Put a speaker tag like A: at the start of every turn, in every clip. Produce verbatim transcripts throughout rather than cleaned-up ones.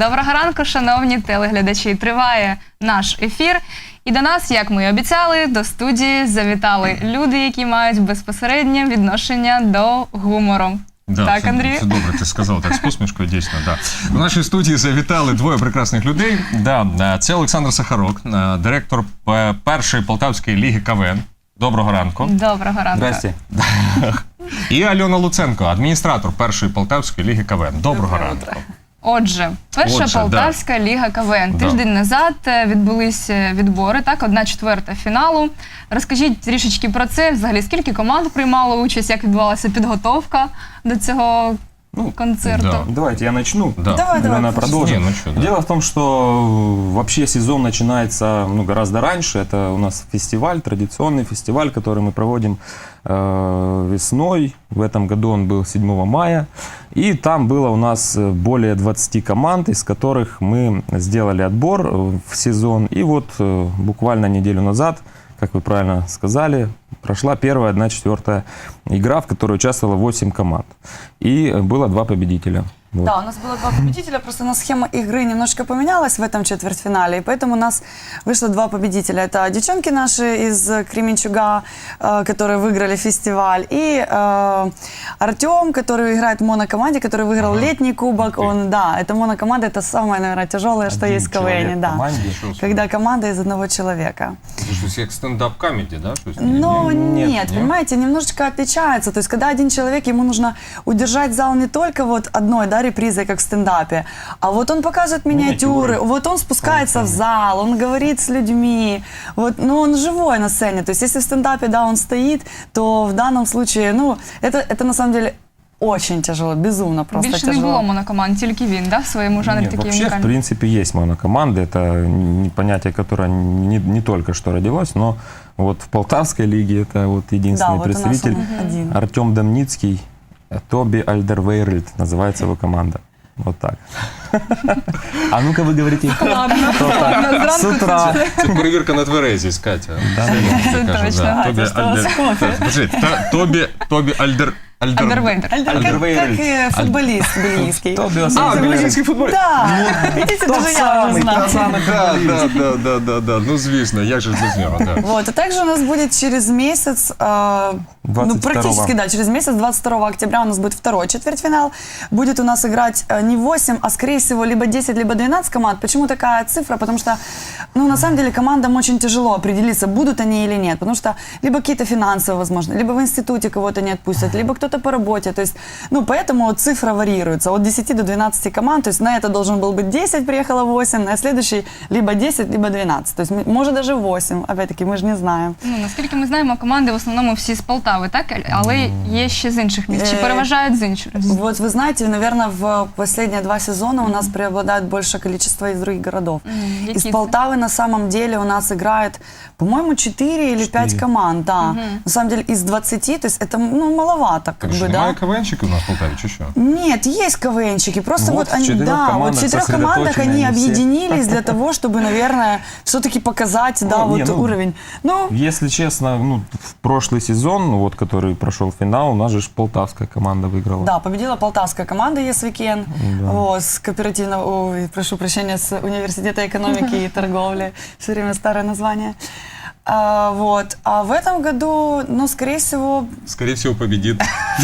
A: Доброго ранку, шановні телеглядачі. Триває наш ефір. І до нас, як ми і обіцяли, до студії завітали люди, які мають безпосереднє відношення до гумору.
B: Да,
A: так,
B: це,
A: Андрій?
B: Це добре, ти сказав так з посмішкою, дійсно. Да. В нашій студії завітали двоє прекрасних людей. Да, це Олександр Сахарок, директор першої Полтавської ліги КВН. Доброго ранку.
A: Доброго ранку.
C: Здрасте.
B: І Альона Луценко, адміністратор першої Полтавської ліги КВН. Доброго ранку.
A: Отже, перша
B: Отже,
A: Полтавська
B: да.
A: ліга КВН. Тиждень да. назад відбулися відбори, так, одна четверта фіналу. Розкажіть трішечки про це, взагалі, скільки команд приймало участь, як відбувалася підготовка до цього ну, концерту?
B: Да.
C: Давайте я начну,
B: да.
A: давай,
C: давай, продолжим.
B: Не, ну что, да.
C: Дело в том, что вообще сезон начинается ну, гораздо раньше. Это у нас фестиваль, традиционный фестиваль, который мы проводим э, весной. В этом году он был седьмого мая. И там было у нас более двадцати команд, из которых мы сделали отбор в сезон. И вот э, буквально неделю назад, как вы правильно сказали, прошла первая одна четвертая игра, в которой участвовало восемь команд. И было два победителя. Вот.
D: Да, у нас было два победителя, просто у нас схема игры немножко поменялась в этом четвертьфинале, и поэтому у нас вышло два победителя. Это девчонки наши из Кременчуга, э, которые выиграли фестиваль, и э, Артем, который играет в монокоманде, который выиграл ага. летний кубок. Okay. Он, да, это монокоманда, это самое, наверное, тяжелое, что
C: Один
D: есть в КВН. Да. Когда команда из одного человека.
B: То есть как стендап-комеди, да? То есть,
D: Но
B: не,
D: нет,
B: нет,
D: понимаете, немножечко отличается. То есть, когда один человек, ему нужно удержать зал не только вот одной, да, репризой, как в стендапе, а вот он показывает миниатюры,
C: миниатюры.
D: вот он спускается в зал, он говорит с людьми, вот, ну, он живой на сцене. То есть, если в стендапе, да, он стоит, то в данном случае, ну, это, это на самом деле очень тяжело, безумно просто
A: Більше
D: тяжело.
A: не було монокоманд, тільки він, да, в своєму жанрі
C: Нет,
A: такий
C: вообще,
A: унікальний.
C: в принципе, есть монокоманды. Это не- понятие, которое не, не только что родилось, но вот в Полтавской лиге это вот единственный
D: Да, вот у нас
C: представитель
D: он один.
C: Артем Домницкий, Тоби Альдервейрельд называется его команда. Вот так. А ну-ка вы говорите.
A: Ладно, ладно,
C: С
A: зранку
C: утра.
B: Це перевірка на тверезість, Катя.
C: Да,
B: Це
A: Це
B: кажу,
A: точно.
B: да.
D: А,
B: Тобі
D: це що
B: Альдер...
D: з кофе?
B: Подожди, та- Тобі, Тобі Альдер... Альдер...
A: Андервейдер.
D: Как, как
C: Альдервейрельд.
D: э, футболист бельгийский.
C: Тоби
B: А,
C: Альдервейрельд.
B: бельгійський футболіст.
D: Да, видите,
C: Тот
D: даже я уже
C: самый,
D: знаю.
C: тот самый
B: Да,
C: футболист.
B: да, да, да, да, да. Ну, звісно, як же ж без нього, да.
D: Вот, а также у нас будет через месяц, э, ну,
C: двадцать второго.
D: практически, да, через месяц, двадцать второго октября у нас будет второй четвертьфинал. Будет у нас играть э, не восемь, а скорее всего либо десять, либо двенадцать команд. Почему такая цифра? Потому что, ну, на самом деле, командам очень тяжело определиться, будут они или нет. Потому что либо какие-то финансовые, возможно, либо в институте кого-то не отпустят, либо кто-то по работе. То есть, ну, поэтому цифра варьируется от десяти до двенадцати команд. То есть на это должен был быть десять, приехало восемь, на следующий либо десять, либо двенадцать. То есть, может, даже восемь. Опять-таки, мы же не знаем.
A: Ну, наскільки ми знаємо, команди в основному всі з Полтави, так? Але є ще з інших міст. Чи переважають з інших?
D: Вот вы знаете, наверное, в последние два сезона у нас преобладает большее количество из других городов.
A: Мгм.
D: Из
A: Какие это?
D: Полтавы на самом деле у нас играет, по-моему, четыре или пять команд, да. На самом деле из двадцати, то есть это, ну, маловато, как
B: Так що,
D: бы,
B: немає
D: да.
B: КВНщиків у нас в Полтаві, чи що?
D: Нет, есть КВНщики, просто
C: Вот
D: вот,
C: в
D: они,
C: четырех
D: да, вот в
C: командах
D: четырех командах они
C: сосредоточены они все.
D: объединились для того, чтобы, наверное, все-таки показать, да,
C: Ну,
D: вот
C: не, ну,
D: уровень. Ну,
C: Если честно, ну, в прошлый сезон, ну, вот, который прошел финал, у нас же ж полтавская команда выиграла.
D: да, победила полтавская команда ЕСВИКЕН,
C: Да.
D: вот, с кооперативного, ой, прошу прощения, с университета экономики и торговли, все время старое название. А, вот, а в этом году, ну, скорее всего,
B: Скорее всего, победит.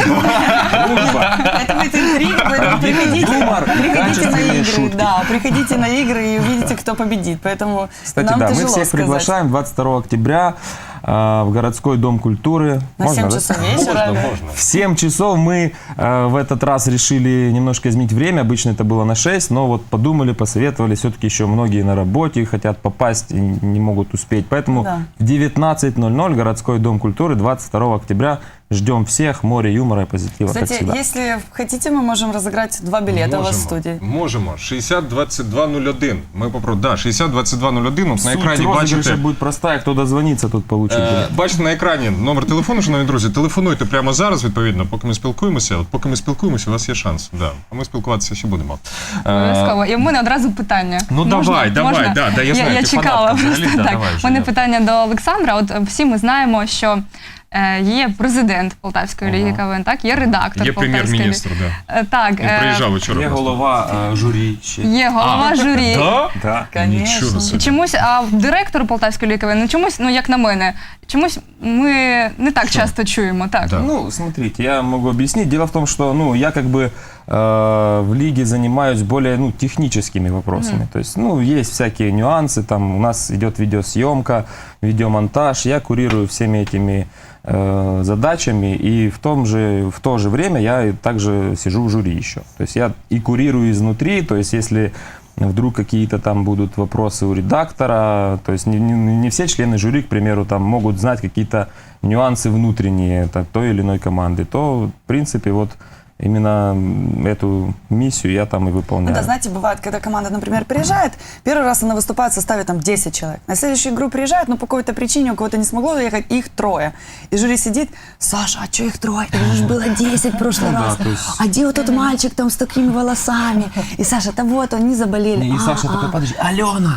D: это будет интриг, поэтому приходите,
C: Юмор,
D: приходите на
C: качественные
D: игры,
C: шутки.
D: да, приходите на игры и увидите, кто победит, поэтому
C: Кстати,
D: нам
C: да, мы
D: тяжело
C: всех
D: сказать.
C: приглашаем двадцать второго октября э, в городской дом культуры.
D: На
C: Можно,
D: семь
C: да?
D: часов вечера.
B: Можна, можна.
C: В семь часов мы э, в этот раз решили немножко изменить время. Обычно это было на шесть, но вот подумали, посоветовали. Все-таки еще многие на работе хотят попасть и не могут успеть. Поэтому
D: Да.
C: в девятнадцать ноль ноль городской дом культуры двадцать второго октября. Ждем всех. Море юмора и позитива, как
D: Кстати,
C: всегда.
D: если хотите, мы можем разыграть два билета у вас в студии.
B: Можемо. шістдесят двадцять два нуль один. Ми попро... Да, шістдесят двадцять два нуль один. От на
C: Суть
B: екрані
C: розыгрыша
B: бачите...
C: будет простая. Кто дозвонится, тот получит.
B: Е,
C: билет.
B: бачите на екрані номер телефону, шановні друзі. Телефонуйте прямо зараз, відповідно, поки ми спілкуємося. От поки ми спілкуємося, у вас є шанс. Да. А ми спілкуватися ще будемо. Е,
A: Обов'язково. І в мене одразу питання.
B: Ну,
A: Можна?
B: давай, давай,
A: Можна?
B: да, да, я знаю,
A: я
B: ти
A: чекала
B: фанатка
A: просто
B: взагалі, да,
A: так.
B: давай,
A: У мене
B: Женя.
A: питання до Олександра. От всі ми знаємо, що Е, Є президент Полтавської ліги КВН, так? Є редактор
B: Є
A: Полтавської ліги.
B: прем'єр-міністр, да.
A: Е, Так,
B: Він
A: е,
B: приїжджав вчора.
C: Є
B: просто.
C: голова е, журі ще.
A: є голова журі.
B: Да?
C: Да.
B: Нічого
A: І
B: собі.
A: чомусь, а директор Полтавської ліги КВН, ну чомусь, ну як на мене, чомусь ми не так часто чуємо, так.
B: Да.
C: Ну, смотрите, я могу объяснить. Дело в том, что ну, я как бы э, в лиге занимаюсь более ну, техническими вопросами. То есть, ну, есть всякие нюансы, там у нас идет видеосъемка, видеомонтаж, я курирую всеми этими э, задачами, и в, том же, в то же время я и также сижу в жюри еще. То есть я и курирую изнутри, то есть если вдруг какие-то там будут вопросы у редактора, то есть не, не, не все члены жюри, к примеру, там могут знать какие-то нюансы внутренние так, той или иной команды, то, в принципе, вот именно эту миссию я там и выполняю.
D: Ну да, знаете, бывает, когда команда, например, приезжает, первый раз она выступает в составе там десять человек. На следующую игру приезжает, но по какой-то причине у кого-то не смогло доехать, их трое. И жюри сидит: Саша, а что их трое? Их же было десять в прошлый
C: Ну да,
D: раз.
C: то есть-
D: А где вот тот мальчик там с такими волосами? И Саша, да вот, они заболели.
C: И
D: А,
C: Саша
D: а.
C: такой, подожди, Алена,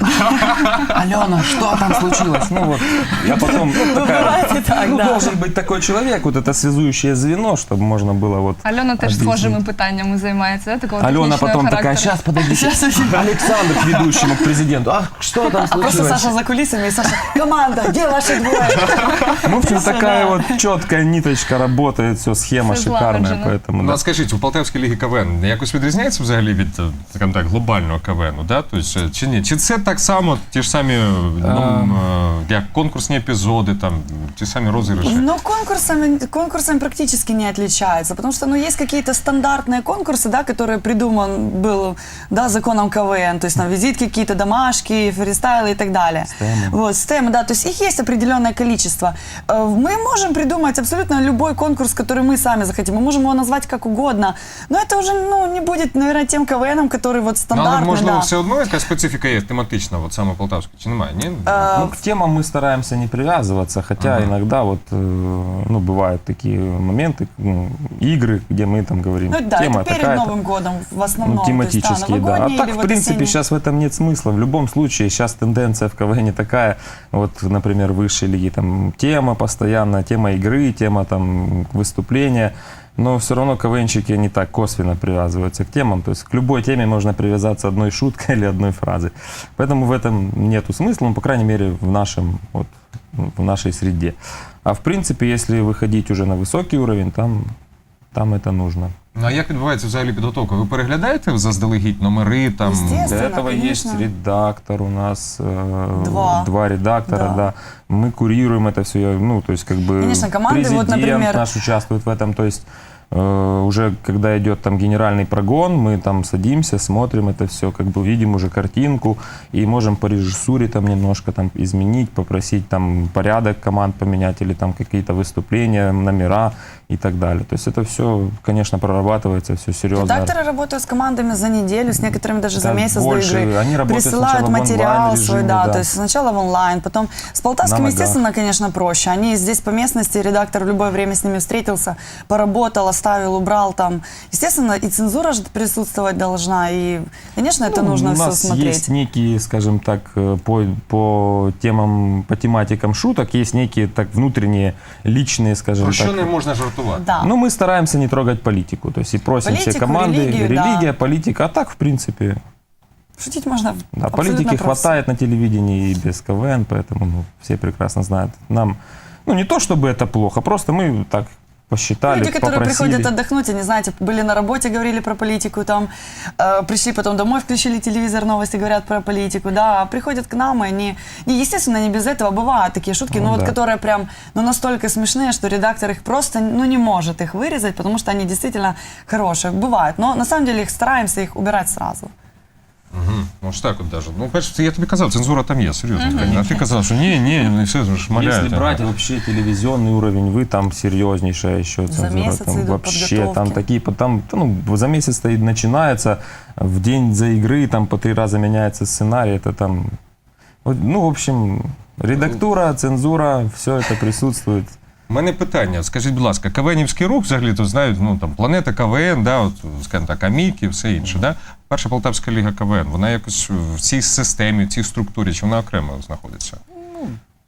C: Алена, что там случилось? Ну вот, я потом такая,
D: бывает и так,
C: ну
D: да.
C: должен быть такой человек, вот это связующее звено, чтобы можно было вот
A: Альона теж
C: объяснить.
A: схожими питаннями займається, да, такого
C: Алена
A: технічного
C: потом такая,
A: характеру.
C: сейчас, подождите, Александр к ведущему, к президенту, а что там
D: А просто
C: случилось?
D: Саша за кулисами, и Саша, команда, где ваши двое?
C: Ну, в общем,
D: Всё,
C: такая
D: да.
C: вот четкая ниточка работает, все, схема
A: Все
C: шикарная,
A: злагоджено.
C: поэтому
B: Ну,
C: да.
B: а скажіть, у Полтавській лігі КВН якось відрізняється взагалі від, е, скажімо так, глобального КВНу, да? Тобто, е, чи ні? Чи це так само, ті ж самі, ну, е, як конкурсні епізоди, там, ті самі розіграші?
D: Ну, конкурсами, конкурсами практически не отличается, потому что, ну, есть какие-то стандартные конкурсы, да, которые придуман был, да, законом КВН, то есть там визитки какие-то, домашки, фристайлы и так далее.
C: Стемы.
D: Вот, стемы, да, то есть их есть определенное количество. Э, Мы можем придумать абсолютно любой конкурс, который мы сами захотим, мы можем его назвать как угодно, но это уже, ну, не будет, наверное, тем КВНом, который вот
B: Ну, але,
D: стандартный,
B: можливо,
D: да.
B: все одно якась специфіка є тематична, от саме Полтавська, чи немає? Ні?
C: Ну, к темам мы стараемся не привязываться, хотя
B: Ага.
C: иногда вот, э, ну, бывают такие моменты, ну, игры, где мы там говорим,
D: Ну, да,
C: тема
D: это перед
C: такая-то.
D: Новым годом в основном.
C: Ну,
D: то есть, да,
C: тематические, да. А
D: новогодние
C: так,
D: или
C: в
D: вот
C: принципе,
D: осенние.
C: сейчас в этом нет смысла. В любом случае, сейчас тенденция в КВН такая, вот, например, высшей лиги, там, тема постоянно, тема игры, тема, там, выступления, но все равно КВНщики не так косвенно привязываются к темам, то есть к любой теме можно привязаться одной шуткой или одной фразой. Поэтому в этом нету смысла, ну, по крайней мере, в нашем, вот, в нашей среде. А в принципе, если выходить уже на высокий уровень, там, там это нужно.
B: Ну, а як відбувається взагалі підготовка? Ви переглядаєте заздалегідь номери, там,
D: Естественно.
C: Для этого
D: конечно.
C: есть редактор у нас, э,
D: Два.
C: два редактора,
D: Да.
C: да. Мы курируем это все, ну, то есть как бы
D: Конечно, команды, вот,
C: президент
D: например-
C: наш участвует в этом, то есть э, уже когда идет там генеральный прогон, мы там садимся, смотрим это все, как бы видим уже картинку и можем по режиссуре там немножко там изменить, попросить там порядок команд поменять или там какие-то выступления, номера и так далее. То есть это все, конечно, прорабатывается, все серьезно.
D: Редакторы работают с командами за неделю, с некоторыми даже за
C: Да,
D: месяц
C: больше.
D: до игры.
C: Они работают
D: Присылают
C: сначала в
D: материал
C: онлайн-режиме,
D: свой, да,
C: да.
D: то есть сначала в онлайн, потом с Полтавским,
C: На ногах.
D: естественно, конечно, проще. Они здесь по местности, редактор в любое время с ними встретился, поработал, оставил, убрал там. Естественно, и цензура же присутствовать должна, и, конечно, это
C: Ну,
D: нужно
C: у
D: все
C: нас
D: смотреть.
C: есть некие, скажем так, э, по, по темам, по тематикам шуток, есть некие так внутренние, личные, скажем
B: про що
C: так.
B: не можна жартувати?
D: Да.
C: Ну, мы стараемся не трогать политику, то есть и просим все
D: Политику,
C: команды,
D: религию, да.
C: религия, политика, а так, в принципе,
D: Шутить можно
C: да,
D: абсолютно
C: политики
D: про всё.
C: хватает на телевидении и без КВН, поэтому ну, все прекрасно знают. Нам, ну, не то чтобы это плохо, просто мы так посчитали,
D: Люди, которые
C: попросили.
D: приходят отдохнуть, они, знаете, были на работе, говорили про политику, там, э, пришли потом домой, включили телевизор, новости говорят про политику, да, приходят к нам, и они, не, естественно, не без этого, бывают такие шутки,
C: Ну,
D: но вот
C: да.
D: которые прям, ну, настолько смешные, что редактор их просто, ну, не может их вырезать, потому что они действительно хорошие, бывают, но на самом деле их стараемся их убирать сразу.
B: Угу. Ну ж так от даже. Ну, перше, я тобі казав, цензура там є, серйозно. А ти казав, що ні, ні, вони все ж шмаляють.
C: Если брать вообще телевизионный уровень, вы там серьезнейшая еще
D: За
C: цензура.
D: месяц
C: Там
D: идут
C: вообще там
D: подготовки.
C: такие, там, ну, за месяц стоит, начинается, в день за игры там по три раза меняется сценарий, это там, вот, ну, в общем, редактура, цензура, все это присутствует.
B: У мене питання, скажіть, будь ласка, КВНівський рух, взагалі, то знають, ну, там, планета КВН, да, от, скажімо так, Аміки, все інше, да? Перша Полтавська ліга КВН, вона якось в цій системі, в цій структурі, чи вона окремо знаходиться?
C: В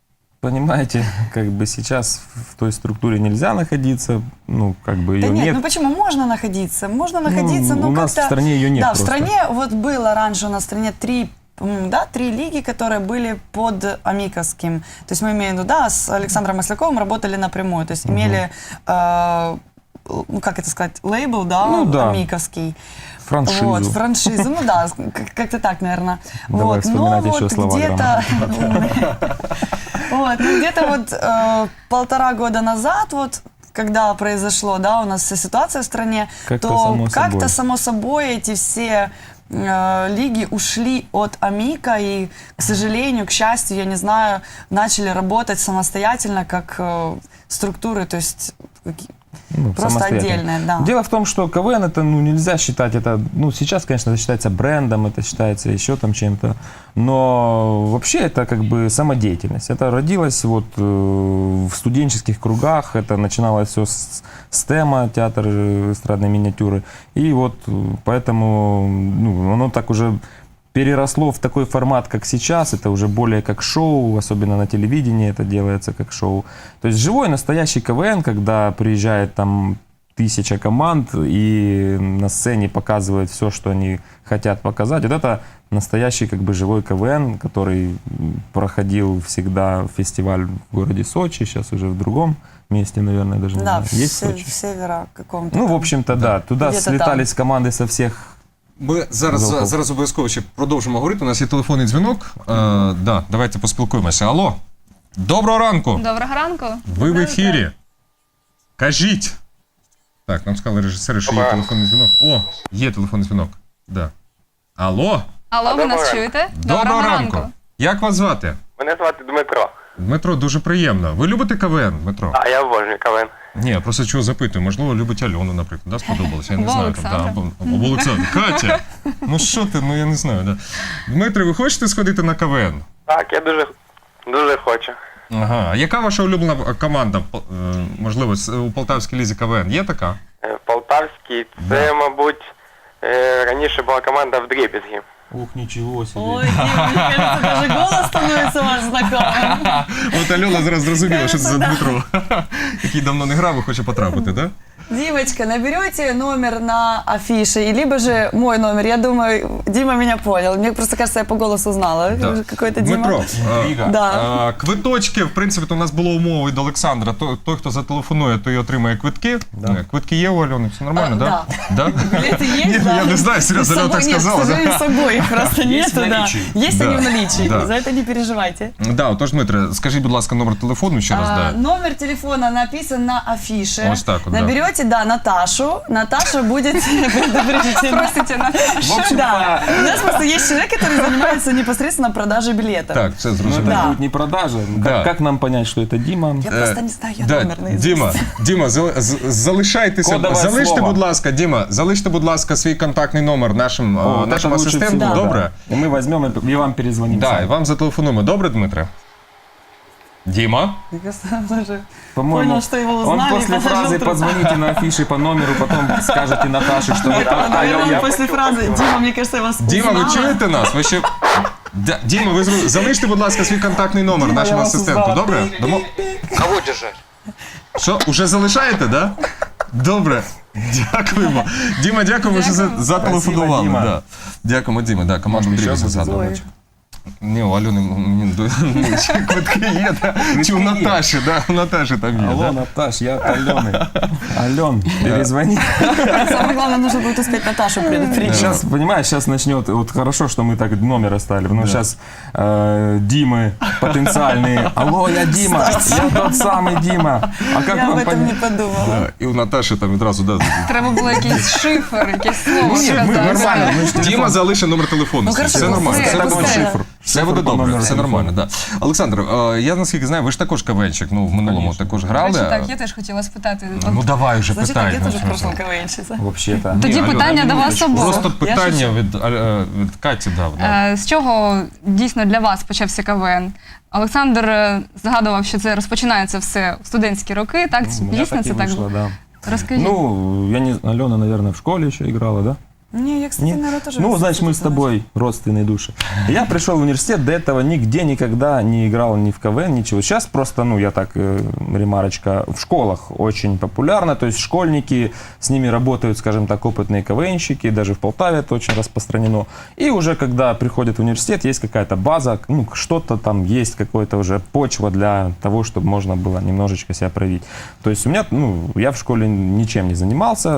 C: понимаете, как бы сейчас в той структуре нельзя находиться, ну, как бы
D: Да
C: ее
D: нет,
C: нет.
D: ну почему? Можно находиться, можно находиться,
C: Ну,
D: но
C: у нас
D: как-то...
C: в стране ее нет
D: Да,
C: просто.
D: в стране вот было раньше у нас в стране три, м, да, три лиги, которые были под Амиковским. То есть мы имеем в виду, да, с Александром Масляковым работали напрямую, то есть имели, э, ну как это сказать, лейбл, да,
C: Ну да.
D: Амиковский.
C: Франшизу.
D: Вот, франшизу, ну да, как- как-то так, наверное.
C: Давай
D: Вот,
C: вспоминать
D: но
C: еще
D: вот
C: слова
D: где-то, вот, ну где-то вот э, полтора года назад, вот, когда произошло, да, у нас вся ситуация в стране,
C: Как-то
D: то
C: само
D: как-то
C: собой.
D: само собой эти все э, лиги ушли от Амика и, к сожалению, к счастью, я не знаю, начали работать самостоятельно как э, структуры, то есть какие-
C: Ну,
D: просто
C: самостоятельно.
D: отдельные, да.
C: Дело в том, что КВН это, ну, нельзя считать это, ну, сейчас, конечно, это считается брендом, это считается еще там чем-то, но вообще это как бы самодеятельность. Это родилось вот э, в студенческих кругах, это начиналось все с СТЭМа, театр э, эстрадной миниатюры, и вот э, поэтому, ну, оно так уже переросло в такой формат, как сейчас. Это уже более как шоу, особенно на телевидении это делается как шоу. То есть живой настоящий КВН, когда приезжает там тысяча команд и на сцене показывают все, что они хотят показать. Вот это настоящий как бы живой КВН, который проходил всегда фестиваль в городе Сочи, сейчас уже в другом месте, наверное, даже не
D: Да,
C: знаю.
D: в,
C: Есть
D: се-
C: Сочи?
D: в севера каком-то.
C: Ну, в
D: там.
C: общем-то, да. Туда
D: Где-то
C: слетались команды со всех.
B: Ми зараз,
C: Залпов.
B: зараз обов'язково ще продовжимо говорити. У нас є телефонний дзвінок. Е, да, давайте поспілкуємося. Алло. Доброго ранку.
A: Доброго ранку.
B: Ви в ефірі. Кажіть. Так, нам сказали режисери, що є телефонний дзвінок. О, є телефонний дзвінок. Да. Алло.
A: Алло, ви нас
E: Доброго
A: чуєте?
B: Доброго ранку. Як вас звати?
E: Мене звати Дмитро.
B: Дмитро, дуже приємно. Ви любите КВН, Дмитро?
E: А я обожнюю КВН.
B: Ні, я просто чого запитую. Можливо, любить Альону, наприклад, да, сподобалося. Я не
A: Або
B: знаю.
A: Олександра.
B: Там, да, або, або Олександр. Катя! Ну що ти, ну я не знаю. Да. Дмитро, ви хочете сходити на КВН?
E: Так, я дуже, дуже хочу.
B: Ага. А яка ваша улюблена команда, по- е, можливо, з- у Полтавській лізі КВН? Є така?
E: Е, Полтавський, це, мабуть, е, раніше була команда в Дрібізгі.
C: Ух, ничего себе.
D: Ой, Дима, мне кажется, даже голос становится ваш знакомым.
B: От Альона зараз зрозуміла, що це за Дмитро, який давно не грав і хоче потрапити, так? Да?
D: Димочка, наберете номер на афише, и либо же мой номер. Я думаю, Дима меня понял. Мне просто кажется, я по голосу знала.
B: Да.
D: Какой-то Дима.
B: Дмитро, е,
D: Да.
B: е, квиточки, в принципі, то у нас було умови від Олександра. Той, той, хто зателефонує, той отримає квитки. Е, Квитки є у Альони, все нормально,
D: А,
B: так? Да?
D: Билеты есть,
B: Ні,
D: да?
B: я не знаю, серйозно,
D: С
B: Альона так
D: собой нет,
B: сказала,
D: к
B: да?
D: сожалению, с собой их просто
C: Есть
D: нету,
C: в
D: да.
C: наличии.
D: Есть
B: Да,
D: они в наличии,
B: да.
D: за это не переживайте.
B: Да, отож, Дмитре, скажіть, будь ласка, номер телефону ще раз,
D: А,
B: да.
D: Номер телефона написан на афише.
B: Вот так вот, да.
D: Наберете, да, Наташу. Наташа будет предупреждена.
A: Простите, Наташа.
C: В общем-то,
D: Да, у нас просто есть человек, который занимается непосредственно продажей билетов.
B: Так, це
C: ну,
B: зрозуміло.
C: это
D: Да.
C: будет не продажа.
B: Да.
C: Как, как нам понять, что это Дима?
D: Я просто не знаю, я
B: Да,
D: номер наизусть.
B: Діма, Діма, зали- з- залишайтеся.
C: Кодове
B: Залиште,
C: слово.
B: будь ласка, Діма, залиште, будь ласка, свій контактний номер нашим,
C: О,
B: е,
C: вот
B: нашим
C: это лучше
B: асистенту.
C: всего,
B: Добре?
C: да. И мы возьмем и и вам перезвоним.
B: Да,
C: сами.
B: і вам зателефонуємо. Добре, Дмитре? Діма?
D: Я сам даже
C: По-моему,
D: понял, что его
C: он
D: узнали. и
C: после
D: положил
C: фразы
D: трубку.
C: «позвоните на афише по номеру», потом скажете Наташе, что
D: Нет,
C: это
D: наверное,
C: Алена.
D: он после фразы «Дима, мне кажется, я вас
B: Діма, ви
D: узнала».
B: чуєте нас? Ви ще... Д- Діма, ви зру- залиште, будь ласка, свій контактний номер
C: Діма,
B: нашому
C: я вас
B: асистенту.
C: узнала.
B: Добре? Домо...
E: Кого держать?
B: Що, уже залишаєте, да? Добре. Дякуємо. Діма, дякуємо, що за- зателефонували.
C: Діма.
B: Да. Дякуємо, Діма. Да, команду
C: Может,
B: Дрібізі
C: еще
B: згадували.
C: звоночек?
B: Ні, у Альони мені до- ну, ще квитки є, да? Чи у Наташі, да? У Наташі там є,
C: Алло,
B: да?
C: Наташ, я от Алены. Ален, перезвони.
D: Самое главное, нужно будет успеть Наташу предупредить.
C: Сейчас, понимаешь, сейчас начнет, вот хорошо, что мы так номер оставили, но сейчас Димы потенциальные. Алло, я Дима, я тот самый Дима. А как
D: Я об
C: вам
D: этом не
C: понять?
D: подумала.
B: Да, і у Наташі там відразу, да.
A: Треба було якийсь шифр, якесь слово
C: Ну, нет, мы
A: сказати.
C: нормально. мы ж
B: Діма
C: телефон-
B: залишив номер телефону.
D: Ну,
B: свій.
D: хорошо,
B: Все нормально,
A: все,
B: все
A: так
B: буде
A: буде.
B: шифр. Все буде
C: Шифр по
B: добре,
C: номеру
B: все
C: телефону.
B: нормально, да. Олександр, е, я наскільки знаю, ви ж також КВНчик, ну, в минулому
C: Конечно.
B: також
A: До
B: грали.
A: речі, так, я теж хотіла спитати.
B: Ну, давай вже
D: Значит, так,
B: питай.
D: я тоже
B: ну,
D: в
B: що
D: прошлом
B: це?
D: КВНщица.
C: Вообще-то.
A: Тоді
B: Альона,
A: питання до вас обох.
B: Просто
D: Я
B: питання
D: шучу.
B: від, е, від Каті дав. Да.
A: Е, З чого дійсно для вас почався КВН? Олександр е, згадував, що це розпочинається все в студентські роки, так?
C: У меня
A: Дійсно
C: так и
A: це так
C: вышло,
A: було?
C: да.
A: Розкажіть.
C: Ну, я не Алена, наверное, в школе еще играла, да?
D: Не, я, кстати,
C: Нет?
D: наверное, тоже...
C: Ну,
D: в
C: значит, мы с
D: институте
C: тобой родственные души. Я пришел в университет, до этого нигде никогда не играл ни в КВН, ничего. Сейчас просто, ну, я так, э, ремарочка, в школах очень популярно, то есть школьники, с ними работают, скажем так, опытные КВНщики, даже в Полтаве это очень распространено. И уже когда приходят в университет, есть какая-то база, ну, что-то там есть, какая-то уже почва для того, чтобы можно было немножечко себя проявить. То есть у меня, ну, я в школе ничем не занимался.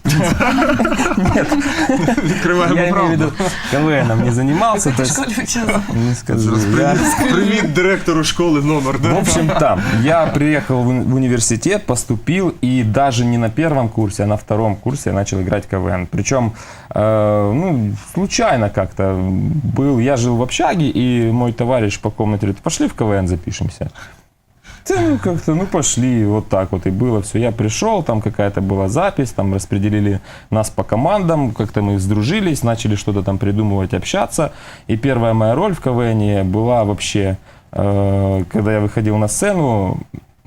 C: Нет.
B: Відкриваємо
C: Я имею в
B: правду.
C: виду, КВНом не занимался. То есть, не скажу. Я-
B: Привіт директору школи номер,
C: В
B: да?
C: общем, там, я приехал в в университет, поступил, и даже не на первом курсе, а на втором курсе я начал играть КВН. Причем, э, ну, случайно как-то был, я жил в общаге, и мой товарищ по комнате говорит, пошли в КВН запишемся. Да, ну, как-то, ну, пошли, вот так вот и было все. Я пришел, там какая-то была запись, там распределили нас по командам, как-то мы сдружились, начали что-то там придумывать, общаться. И первая моя роль в КВН была вообще, э, когда я выходил на сцену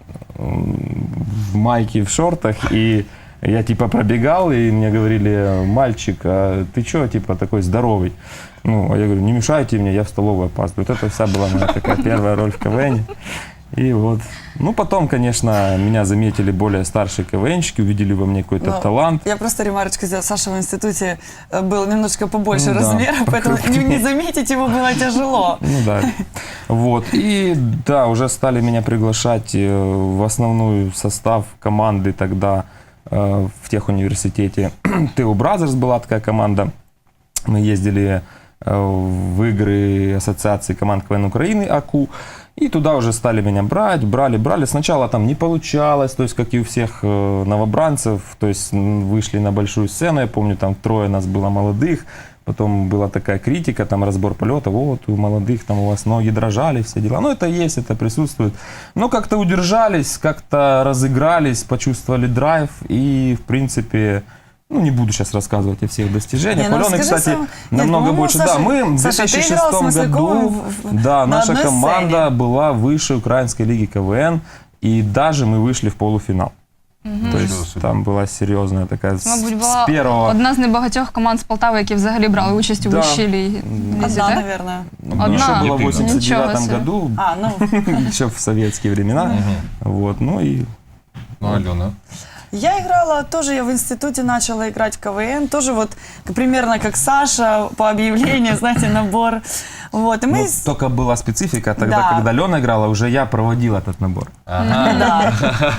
C: м, в майке, в шортах, и я типа пробегал, и мне говорили, мальчик, а ты что, типа, такой здоровый? Ну, а я говорю, не мешайте мне, я в столовую опаздываю. Вот это вся была моя такая первая роль в КВН. И вот. Ну, потом, конечно, меня заметили более старшие КВНщики, увидели во мне какой-то
D: Ну,
C: талант.
D: Я просто ремарочку сделала. Саша в институте э, был немножечко побольше
C: Ну да,
D: размера, поэтому не, не заметить его было тяжело.
C: Ну да. Вот. И да, уже стали меня приглашать э, в основной состав команды тогда э, в техуниверситете. ТУ Бразерс была такая команда. Мы ездили э, в игры Ассоциации команд КВН Украины, АКУ. И туда уже стали меня брать, брали, брали. Сначала там не получалось, то есть, как и у всех э, новобранцев, то есть, м, вышли на большую сцену, я помню, там трое нас было молодых, потом была такая критика, там разбор полета, вот у молодых там у вас ноги дрожали, все дела. Ну, это есть, это присутствует. Но как-то удержались, как-то разыгрались, почувствовали драйв и, в принципе... Ну, не буду сейчас рассказывать о всех достижениях.
D: Не, ну
C: Алены,
D: расскажи
C: кстати,
D: сам. Нет,
C: намного
D: по-моему,
C: больше.
D: Саша-
C: да, мы в
D: Саша, ты
C: две тысячи
D: играл с
C: шестом
D: Масляковым
C: году,
D: в- в-
C: да,
D: на
C: наша
D: одной
C: команда
D: сцене.
C: была выше Украинской лиги КВН, и даже мы вышли в полуфинал. То
B: Нічого
C: есть
B: собі.
C: там была серьезная такая
A: Це, мабуть,
C: с,
A: була
C: с первого...
A: одна з небагатьох команд з Полтави, які взагалі брали участь у
C: Да.
A: вищій лігі. лізі,
D: Одна,
A: так?
D: наверное.
A: Одна.
C: Еще было в
B: Єдина.
C: восемьдесят девятом
A: Ничего себе.
C: году,
D: А, ну,
C: еще в советские времена. Вот, ну и...
B: Ну, Альона.
D: я играла, тоже я в институте начала играть в КВН, тоже вот к- примерно как Саша, по объявлению, знаете, набор. Вот, и мы...
C: Ну,
D: с-
C: только была специфика, тогда,
D: Да.
C: когда Лена играла, уже я проводил этот набор.
B: Ага.
D: Да.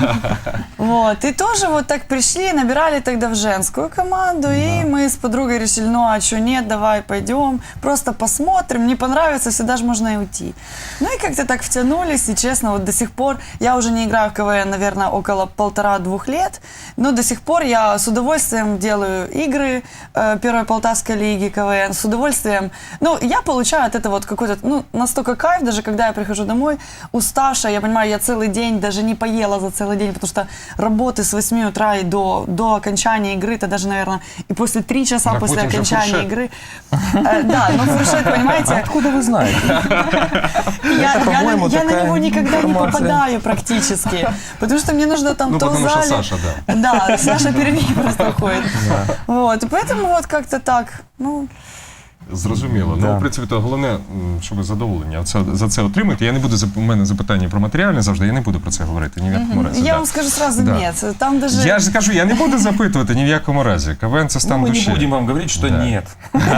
D: Вот, и тоже вот так пришли, набирали тогда в женскую команду, и мы с подругой решили, ну а что, нет, давай пойдем, просто посмотрим, не понравится, всегда же можно и уйти. Ну и как-то так втянулись, и честно, вот до сих пор, я уже не играю в КВН, наверное, около полтора-двух лет, но до сих пор я с удовольствием делаю игры э, Первой Полтавской лиги КВН, с удовольствием, ну, я получаю от этого вот какой-то, ну, настолько кайф, даже когда я прихожу домой, уставшая, я понимаю, я целый день даже не поела за целый день, потому что работы с восьми утра и до, до окончания игры, это даже, наверное, и после три часа
B: Так
D: после
B: потім же
D: окончания
B: фуршет.
D: игры. Э, Да, ну фуршет, понимаете,
C: Откуда вы знаете?
D: я, я, на-
C: по-моему,
D: я на
C: такая
D: него никогда не
C: информация.
D: попадаю практически, потому что мне нужно там
B: Ну,
D: то в
B: потому что
D: зале...
B: Саша, да.
D: Да, Саша перед просто ходит. Вот, и поэтому вот как-то так, ну...
B: Зрозуміло.
C: Да.
B: Ну, в принципі, то головне, м, щоб ви задоволення це, за це отримати. Я не буду, зап- у мене запитання про матеріальне завжди, я не буду про це говорити, ні в якому разі.
D: Я
B: да.
D: вам скажу сразу,
B: Да.
D: нет, там даже...
B: Я ж кажу, я не буду запитувати ні в якому разі. КВН це стан
C: Ну, мы
B: душі.
C: не будем вам говорить, что
B: Да.
C: нет.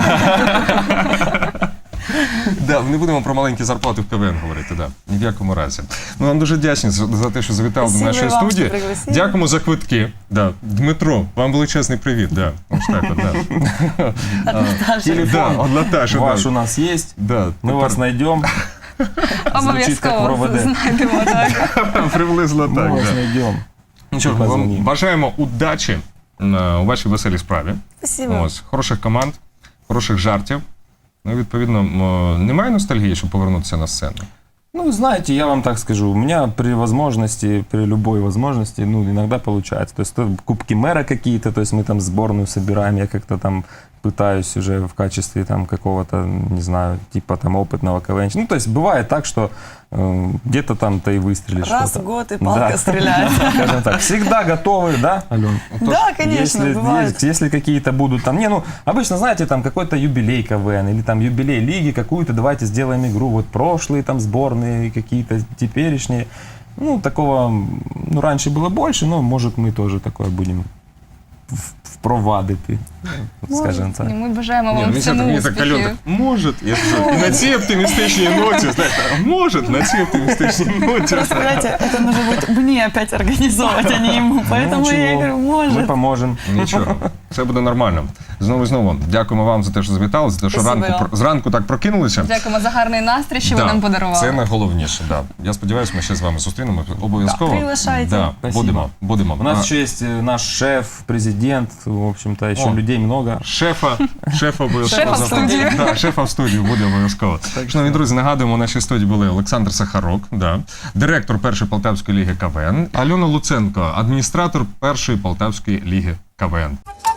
B: Да, не будемо про маленькі зарплати в КВН говорити, да. Ні в якому разі. Ми вам дуже вдячні за, за те, що завітали до
D: Спасибо
B: нашої
D: і вам,
B: студії.
D: що пригласили.
B: Дякуємо за квитки. Да. Дмитро, вам величезний привіт. Да. Ось так, от, да.
C: Телефон
B: Да, от Наташа,
C: ваш
B: да.
C: у нас есть.
B: Да,
C: Мы вас найдем.
A: Обов'язково
C: ровед.
A: знайдемо, так.
B: приблизно
C: Мы
B: так.
C: вас
B: Да.
C: найдем.
B: Ну що ж, ми вам
C: Позвоним.
B: бажаємо удачі е, у вашій веселій справі.
D: Спасибо.
B: Ось, хороших команд, хороших жартів. Ну, відповідно, м, немає ностальгії, щоб повернутися на сцену.
C: Ну, знаете, я вам так скажу, у меня при возможности, при любой возможности, ну, иногда получается. То есть то кубки мэра какие-то, то есть мы там сборную собираем, я как-то там пытаюсь уже в качестве там какого-то, не знаю, типа там опытного КВН. Ну, то есть бывает так, что э, где-то там-то и выстрелишь.
D: Раз
C: что-то.
D: в год и палка
C: Да.
D: стреляет.
C: Скажем так, всегда готовы, да, Ален?
D: Да, конечно,
C: Если,
D: бывает.
C: есть- если какие-то будут там, не, ну, обычно, знаете, там какой-то юбилей КВН или там юбилей лиги какую-то, давайте сделаем игру, вот прошлые там сборные, какие-то теперешние. Ну, такого, ну, раньше было больше, но, может, мы тоже такое будем в- впровадити, скажімо так.
A: І ми бажаємо
B: Ні,
A: вам
B: мені
A: в
B: так,
A: цьому
B: мені так Альон
A: успіхів.
B: так, може, я кажу, і на цій оптимістичній ноті, знаєте, а може, на цій оптимістичній ноті.
D: Просто, знаете, это нужно будет мне опять организовывать, а не ему. Поэтому я и говорю,
C: Ми
D: может.
C: поможемо.
B: Нічого, все буде нормально. Знову і знову, дякуємо вам за те, що завітали, за те, що
D: Спасибо
B: ранку,
D: вам.
B: зранку так прокинулися.
A: Дякуємо за гарний настрій, що ви
B: Да,
A: нам подарували.
B: Це найголовніше, да. Я сподіваюся, ми ще з вами зустрінемо обов'язково.
D: Приглашайте.
B: Да,
C: Спасибо.
B: будемо, будемо.
C: У нас
B: А,
C: еще есть э, наш шеф, президент, в общем-то, еще
B: О.
C: людей много.
B: Шефа, шефа обов'язково.
A: Шефа в студії.
B: Да, шефа в студії буде обов'язково. Шановні друзі, нагадуємо, у нашій студії були Олександр Сахарок, да, директор першої Полтавської ліги КВН, Альона Луценко, адміністратор першої Полтавської ліги КВН.